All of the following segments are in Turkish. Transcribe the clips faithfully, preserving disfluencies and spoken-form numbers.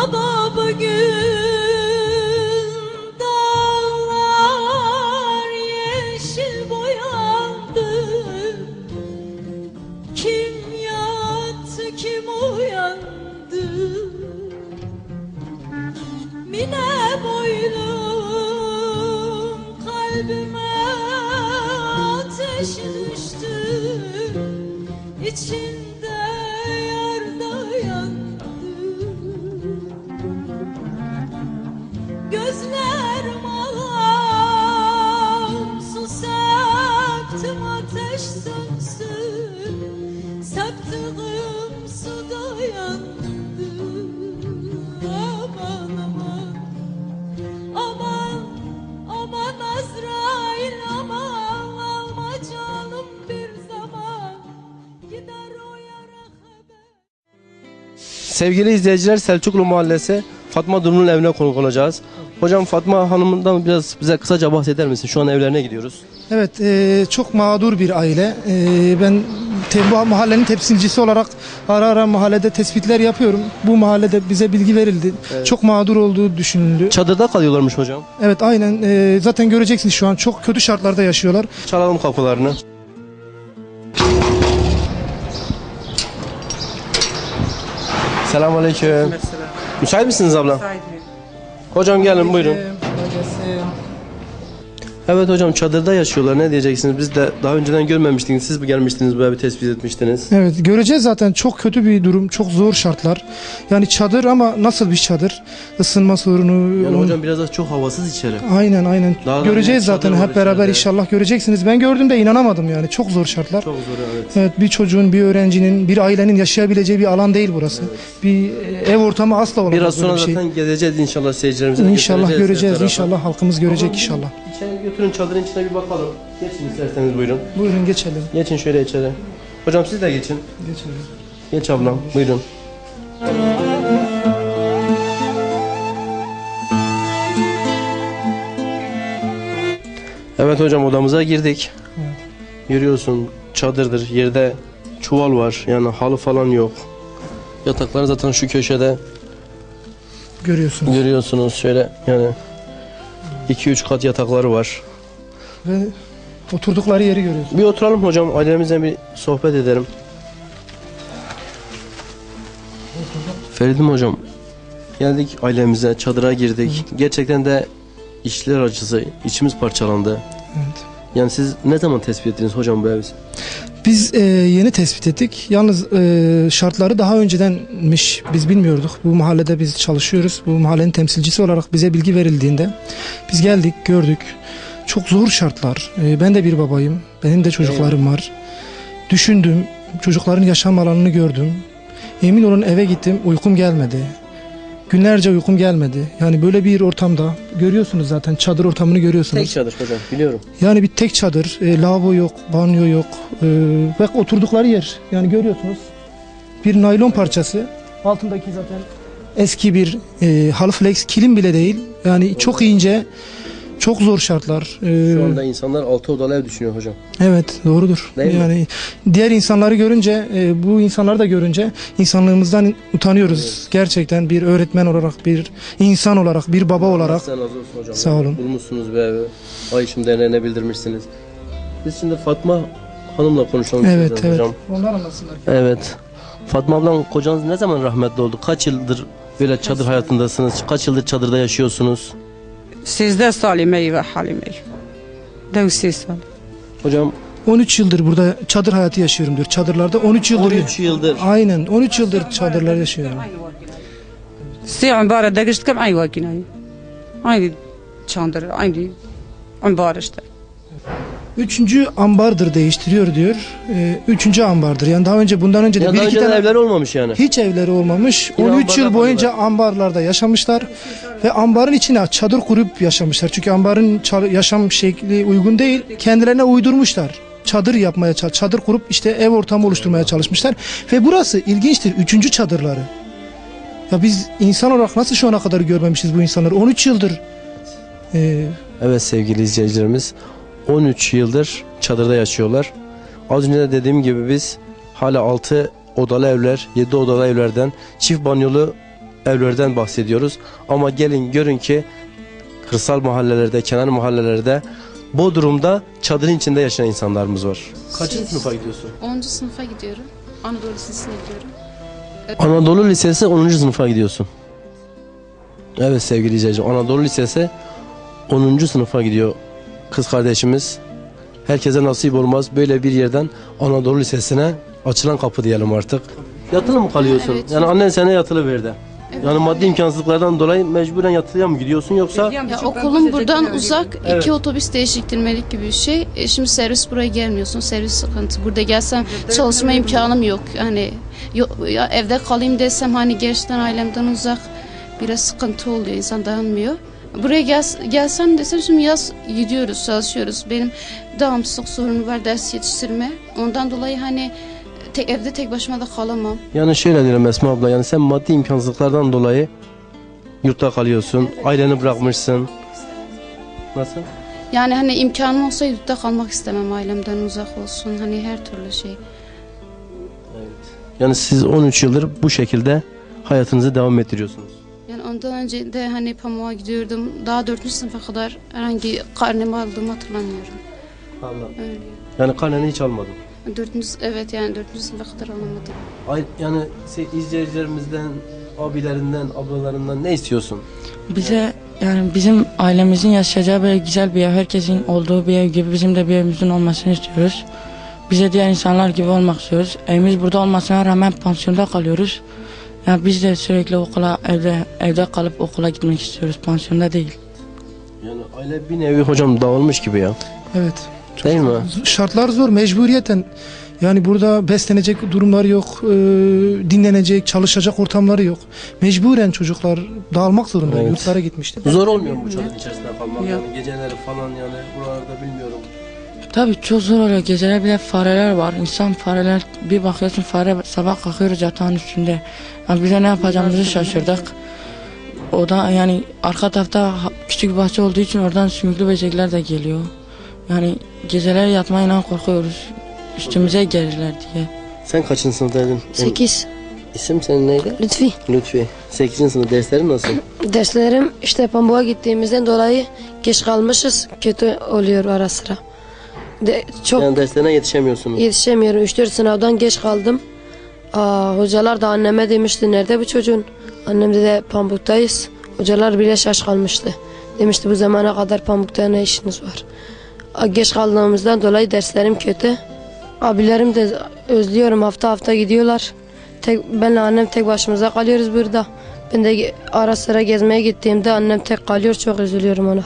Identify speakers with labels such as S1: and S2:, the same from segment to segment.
S1: Ama bugün dağlar yeşil boyandı. Kim yattı, kim uyandı? Mine boylum kalbime ateş düştü. İçinde yar da yandı. Gözlerim ağlam, su septim ateş sönsün. Septiğim suda yandı. Aman aman, aman aman Azrail aman, alma canım bir zaman, gider o yara haber.
S2: Sevgili izleyiciler, Selçuklu Mahallesi Fatma Durun'un evine konuk olacağız. Hocam, Fatma Hanım'dan biraz bize kısaca bahseder misin? Şu an evlerine gidiyoruz.
S3: Evet, e, çok mağdur bir aile. E, ben te, bu mahallenin temsilcisi olarak ara ara mahallede tespitler yapıyorum. Bu mahallede bize bilgi verildi.
S2: Evet.
S3: Çok mağdur olduğu düşünüldü.
S2: Çadırda kalıyorlarmış hocam.
S3: Evet, aynen. E, zaten göreceksiniz, şu an çok kötü şartlarda yaşıyorlar.
S2: Çalalım kapılarını. Selamünaleyküm. Müsait misiniz abla? Hocam gelin buyurun. Evet hocam, çadırda yaşıyorlar. Ne diyeceksiniz? Biz de daha önceden görmemiştiniz. Siz mi gelmiştiniz, böyle bir tespit etmiştiniz?
S3: Evet, göreceğiz zaten, çok kötü bir durum, çok zor şartlar. Yani çadır ama nasıl bir çadır? Isınma sorunu.
S2: Yani
S3: on...
S2: hocam biraz da çok havasız içeri.
S3: Aynen aynen.
S2: Daha
S3: göreceğiz zaten hep beraber
S2: içeride.
S3: inşallah göreceksiniz. Ben gördüğümde inanamadım yani. Çok zor şartlar.
S2: Çok zor, evet.
S3: Evet, bir çocuğun, bir öğrencinin, bir ailenin yaşayabileceği bir alan değil burası. Evet. Bir ev ortamı asla olamaz.
S2: Biraz sonra
S3: bir şey.
S2: zaten gezeceğiz inşallah, seyircilerimize de
S3: İnşallah göreceğiz.
S2: her
S3: İnşallah halkımız görecek
S2: Ama
S3: inşallah.
S2: İçeri götürün, çadırın içine bir bakalım. Geçin isterseniz, buyurun.
S3: Buyurun geçelim.
S2: Geçin şöyle içeri. Hocam siz de geçin.
S3: Geçelim.
S2: Geç ablam, buyurun. Evet hocam, odamıza girdik.
S3: Evet.
S2: Görüyorsun, çadırdır, yerde çuval var, yani halı falan yok. Yataklar zaten şu köşede
S3: Görüyorsunuz.
S2: görüyorsunuz, şöyle yani iki üç kat yatakları var.
S3: Ve oturdukları yeri görüyorsunuz.
S2: Bir oturalım hocam, ailemizle bir sohbet edelim. Feridim hocam, geldik ailemize, çadıra girdik. Hı. Gerçekten de işler acısı, içimiz parçalandı.
S3: Evet.
S2: Yani siz ne zaman tespit ettiniz hocam bu evi?
S3: Biz e, yeni tespit ettik. Yalnız e, şartları daha öncedenmiş. Biz bilmiyorduk. Bu mahallede biz çalışıyoruz. Bu mahallenin temsilcisi olarak bize bilgi verildiğinde biz geldik, gördük. Çok zor şartlar. E, ben de bir babayım. Benim de çocuklarım var. Düşündüm. Çocukların yaşam alanını gördüm. Emin olun eve gittim. Uykum gelmedi. Günlerce uykum gelmedi. Yani böyle bir ortamda görüyorsunuz zaten, çadır ortamını görüyorsunuz.
S2: Tek çadır hocam, biliyorum.
S3: Yani bir tek çadır, e, lavabo yok, banyo yok e, ve oturdukları yer yani görüyorsunuz. Bir naylon parçası, altındaki zaten eski bir e, halı flex, kilim bile değil. Yani çok ince, çok zor şartlar. E,
S2: Şu anda insanlar altı odalı ev düşünüyor hocam.
S3: Evet, doğrudur.
S2: Değil
S3: yani
S2: mi?
S3: diğer insanları görünce, e, bu insanları da görünce insanlığımızdan utanıyoruz. Evet. Gerçekten bir öğretmen olarak, bir insan olarak, bir baba olarak.
S2: Sen razı olsun hocam.
S3: Sağ olun.
S2: Bulmuşsunuz bir evi. Ayşim Derneği'ne bildirmişsiniz. Biz şimdi Fatma Hanım'la konuşalım.
S3: Evet, evet.
S2: Hocam.
S3: Onlar anlasınlar.
S2: Evet. Fatma ablam, kocanız ne zaman rahmetli oldu? Kaç yıldır böyle çadır hayatındasınız? Kaç yıldır çadırda yaşıyorsunuz?
S4: سیزده سالی می و حالی می دو سی سال
S2: Hocam
S3: on üç yıldır burada çadır hayatı yaşıyorum diyor. Çadırlarda on üç yıldır.
S2: on üç yıldır.
S3: Aynen, on üç yıldır çadırlar yaşıyorum.
S4: سی عمباره دگشت کم ای واکینایی aynı çandır aynı ambar işte.
S3: Üçüncü ambardır değiştiriyor diyor. Ee, üçüncü ambardır. Yani daha önce, bundan önce de
S2: Ya
S3: bir
S2: daha
S3: iki
S2: önceden
S3: tane
S2: evler olmamış yani.
S3: hiç evleri olmamış.
S2: Yine
S3: on üç yıl
S2: ambarda
S3: boyunca
S2: kalıyorlar.
S3: ambarlarda yaşamışlar ve ambarın içine çadır kurup yaşamışlar. Çünkü ambarın ça- yaşam şekli uygun değil. Kendilerine uydurmuşlar. Çadır yapmaya, çadır kurup işte ev ortamı oluşturmaya çalışmışlar. Ve burası ilginçtir. Üçüncü çadırları. Ya biz insan olarak nasıl şu ana kadar görmemişiz bu insanları? on üç yıldır. Ee,
S2: Evet sevgili izleyicilerimiz, on üç yıldır çadırda yaşıyorlar. Az önce de dediğim gibi biz hala altı odalı evler, yedi odalı evlerden çift banyolu evlerden bahsediyoruz. Ama gelin görün ki kırsal mahallelerde, kenar mahallelerde, Bodrum'da çadırın içinde yaşayan insanlarımız var. Kaçıncı sınıfa gidiyorsun?
S5: onuncu sınıfa gidiyorum. Anadolu Lisesi'ne gidiyorum.
S2: Anadolu Lisesi onuncu sınıfa gidiyorsun. Evet sevgili izleyiciler, Anadolu Lisesi onuncu sınıfa gidiyor kız kardeşimiz. Herkese nasip olmaz böyle bir yerden Anadolu Lisesi'ne açılan kapı diyelim artık. Yatılı mı kalıyorsun?
S5: Evet.
S2: Yani annen sana yatılı verdi.
S5: Evet.
S2: Yani maddi imkansızlıklardan dolayı mecburen yatılıya mı gidiyorsun yoksa?
S5: Ya okulum buradan uzak,
S2: Evet.
S5: iki otobüs değişiktirmelik gibi bir şey. E, şimdi servis buraya gelmiyorsun, servis sıkıntı. Burada gelsem çalışma imkanım yok. Hani yo- ya evde kalayım desem hani gerçekten ailemden uzak biraz sıkıntı oluyor, insan dayanmıyor. Buraya gel, gelsem desem şimdi yaz gidiyoruz, çalışıyoruz. Benim devamsızlık sorunu var, ders yetiştirme. Ondan dolayı hani tek, evde tek başıma da kalamam.
S2: Yani şöyle diyelim Esma abla, yani sen maddi imkansızlıklardan dolayı yurtta kalıyorsun, aileni bırakmışsın. Nasıl?
S5: Yani hani imkanım olsa yurtta kalmak istemem, ailemden uzak olsun. Hani her türlü şey.
S2: Yani siz on üç yıldır bu şekilde hayatınızı devam ettiriyorsunuz.
S5: Yani ondan önce de hani pamuğa gidiyordum. Daha dördüncü sınıfa kadar herhangi karnemi aldığımı hatırlamıyorum.
S2: Anladım.
S5: Öyle.
S2: Yani karneni hiç almadın.
S5: Dördüncü, evet yani dördüncü sınıfa kadar alamadım.
S2: Ay, yani se- izleyicilerimizden, abilerinden, ablalarından ne istiyorsun?
S6: Bize yani bizim ailemizin yaşayacağı böyle güzel bir ev, herkesin olduğu bir ev gibi bizim de bir evimizin olmasını istiyoruz. Bize diğer insanlar gibi olmak istiyoruz. Evimiz burada olmasına rağmen pansiyonda kalıyoruz. Yani biz de sürekli okula, evde evde kalıp okula gitmek istiyoruz, pansiyonda değil.
S2: Yani aile bir nevi hocam dağılmış gibi ya.
S3: Evet.
S2: Değil mi?
S3: Şartlar zor, mecburiyeten. Yani burada beslenecek durumları yok, e, dinlenecek, çalışacak ortamları yok. Mecburen çocuklar dağılmak zorunda,
S2: Evet.
S3: yurtlara gitmişler.
S2: Zor olmuyor mu bu çadırın içerisinde kalmak?
S4: Yok.
S2: Yani geceleri falan yani buralarda bilmiyorum.
S6: Tabii çok zor oluyor. Geceler bile fareler var. İnsan fareler, bir bakıyorsun fare sabah kalkıyoruz yatağın üstünde. Yani bize ne yapacağımızı şaşırdık. O da yani arka tarafta ha- küçük bir bahçe olduğu için oradan sümüklü böcekler de geliyor. Yani geceler yatmayla korkuyoruz. Üstümüze gelirler diye.
S2: Sen kaçıncı sınıftaydın?
S7: sekiz.
S2: İsim senin neydi?
S7: Lütfi.
S2: Lütfi. sekizinci sınıf, derslerin nasıl?
S7: Derslerim işte pamuğa gittiğimizden dolayı geç kalmışız. Kötü oluyor ara sıra. De, çok
S2: Yani derslerine yetişemiyorsunuz.
S7: yetişemiyorum. üç dört sınavdan geç kaldım. Aa, hocalar da anneme demişti nerede bu çocuğun? Annem dedi pamuktayız. Hocalar bile şaş kalmıştı. Demişti bu zamana kadar pamukta ne işiniz var? Aa, geç kaldığımızdan dolayı derslerim kötü. Abilerim de özlüyorum, hafta hafta gidiyorlar. Tek, benle annem tek başımıza kalıyoruz burada. Ben de ara sıra gezmeye gittiğimde annem tek kalıyor, çok üzülüyorum ona.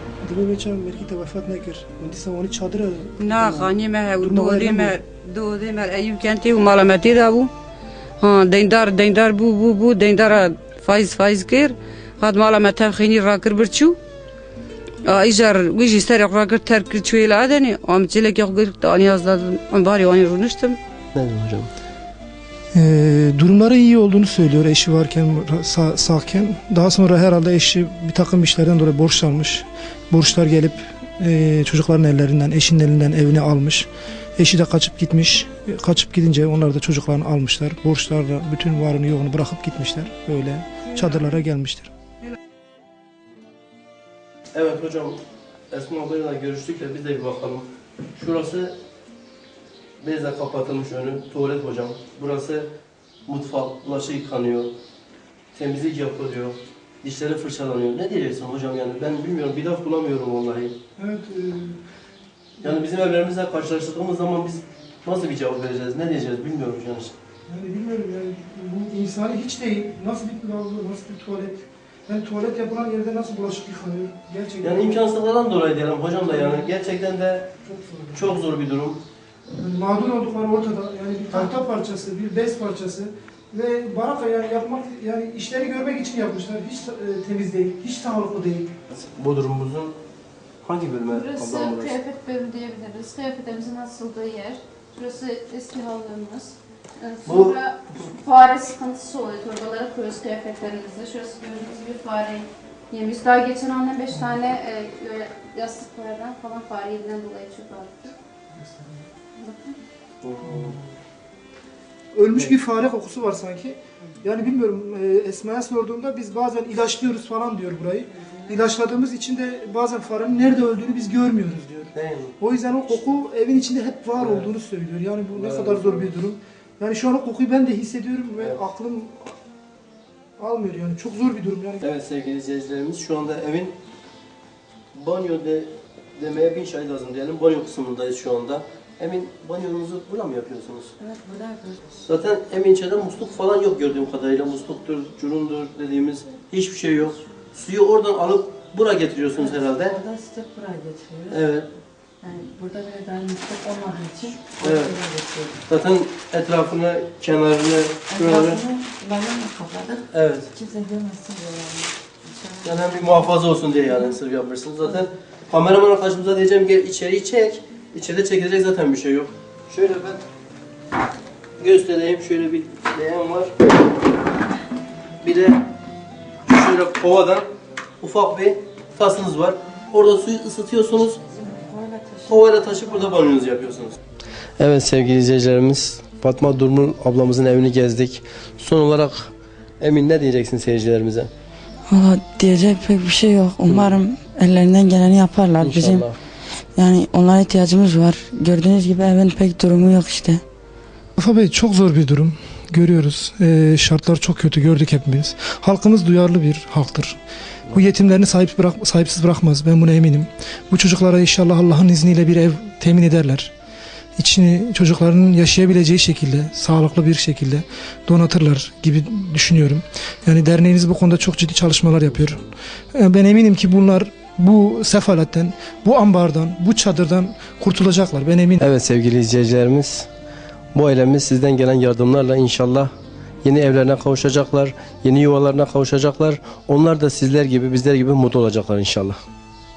S4: Na khani me ha dodi me dodi me ayub kenti u malamati da bu. Ha dindar dindar bu bu bu dindar faiz faiz kir. Had malamata khini rakir birchu. Ajar wiji sar rakir terk çuyle adeni. Am çilek yok gir tani yazladım. Am bari onu runuştum.
S2: Ne diyorsun hocam?
S3: Ee, durumları iyi olduğunu söylüyor eşi varken, sağ, sağken. Daha sonra herhalde eşi bir takım işlerden dolayı borçlanmış. Borçlar gelip e, çocukların ellerinden, eşinin elinden evini almış. Eşi de kaçıp gitmiş. E, Kaçıp gidince onlar da çocuklarını almışlar. Borçlarla bütün varını yoğunu bırakıp gitmişler. Böyle çadırlara gelmişler.
S2: Evet hocam, Esma ablayla görüştük de biz de bir bakalım. Şurası bezle kapatılmış önü, tuvalet hocam. Burası mutfak, bulaşık yıkanıyor, temizlik yapılıyor, dişleri fırçalanıyor. Ne diyeceksin hocam yani ben bilmiyorum, bir laf bulamıyorum vallahi.
S3: Evet. E,
S2: Yani bizim evlerimizle karşılaştırdığımız zaman biz nasıl bir cevap vereceğiz, ne diyeceğiz bilmiyoruz yani.
S3: Yani bilmiyorum yani bu insani hiç değil. Nasıl bir lavabo, nasıl bir tuvalet? Yani tuvalet yapılan yerde nasıl bulaşık yıkanıyor? Gerçekten
S2: Yani imkansızlıklardan dolayı diyelim hocam da yani gerçekten de
S3: çok zor.
S2: çok zor bir durum.
S3: Yani mağdur oldukları ortada. Yani bir tahta parçası, bir bez parçası ve baraka yani yapmak yani işleri görmek için yapmışlar. Hiç e, temiz değil, hiç sağlıklı değil.
S2: Bodrumumuzun hangi bölümü
S8: Burası
S2: ablam burası?
S8: kıyafet bölümü diyebiliriz. Kıyafetlerimizin asıldığı yer. Burası eski hallarımız. Ee,
S2: Bu-
S8: Sonra fare sıkıntısı oluyor. Torbalara koyuyoruz kıyafetlerimizi. Şurası gördüğünüz gibi fare yemiş. Daha geçen annem beş tane e, böyle yastıklardan falan fare yediğinden dolayı çok ağrıdı. Bakın.
S3: ölmüş
S2: Evet.
S3: bir fare kokusu var sanki. Yani bilmiyorum, e, Esma'ya sorduğumda biz bazen ilaçlıyoruz falan diyor burayı. İlaçladığımız için de bazen farenin nerede öldüğünü biz görmüyoruz diyor.
S2: Değil mi?
S3: O yüzden o koku evin içinde hep var
S2: Evet.
S3: olduğunu söylüyor. Yani bu ne
S2: Evet.
S3: kadar zor bir durum. Yani şu an o kokuyu ben de hissediyorum ve
S2: Evet.
S3: aklım almıyor yani. Çok zor bir durum yani.
S2: Evet sevgili izleyicilerimiz, şu anda evin banyo de, demeye bin şey lazım diyelim. Banyo kısmındayız şu anda. Emin, banyonuzu burada mı yapıyorsunuz?
S6: Evet, burada yapıyoruz.
S2: Zaten Emin içeride musluk falan yok gördüğüm kadarıyla. Musluktur, curundur dediğimiz hiçbir şey yok. Suyu oradan alıp buraya getiriyorsunuz herhalde.
S6: Orada sıcak buraya getiriyoruz.
S2: Evet.
S6: Yani burada bile daha musluk olmadığı için
S2: Evet.
S6: oraya getiriyoruz.
S2: Zaten etrafını, kenarını, şuraları.
S6: Etrafını lavabonu kapladık.
S2: Evet.
S6: Kimse görmesin diye yani. İnşallah.
S2: Yani hem bir muhafaza olsun diye yani sırf yapmışsınız. Zaten kameraman arkadaşımıza diyeceğim gel içeriği çek. İçeride çekilecek zaten bir şey yok. Şöyle ben göstereyim. Şöyle bir leğen var. Bir de şöyle kovadan ufak bir tasınız var. Orada suyu ısıtıyorsunuz. Kovayla taşıp burada banyonuzu yapıyorsunuz. Evet sevgili izleyicilerimiz, Fatma Durmul ablamızın evini gezdik. Son olarak Emin ne diyeceksin seyircilerimize?
S6: Valla diyecek pek bir şey yok. Umarım ellerinden geleni yaparlar. Bizim
S2: İnşallah.
S6: yani onlara ihtiyacımız var. Gördüğünüz gibi evin pek durumu yok işte.
S3: Mustafa Bey, çok zor bir durum. Görüyoruz. Ee, şartlar çok kötü, gördük hepimiz. Halkımız duyarlı bir halktır. Bu yetimlerini sahip bırak, sahipsiz bırakmaz. Ben buna eminim. Bu çocuklara inşallah Allah'ın izniyle bir ev temin ederler. İçini çocuklarının yaşayabileceği şekilde, sağlıklı bir şekilde donatırlar gibi düşünüyorum. Yani derneğiniz bu konuda çok ciddi çalışmalar yapıyor. Ee, Ben eminim ki bunlar bu sefaletten, bu ambardan, bu çadırdan kurtulacaklar. Ben eminim.
S2: Evet sevgili izleyicilerimiz, bu ailemiz sizden gelen yardımlarla inşallah yeni evlerine kavuşacaklar, yeni yuvalarına kavuşacaklar. Onlar da sizler gibi, bizler gibi mutlu olacaklar inşallah.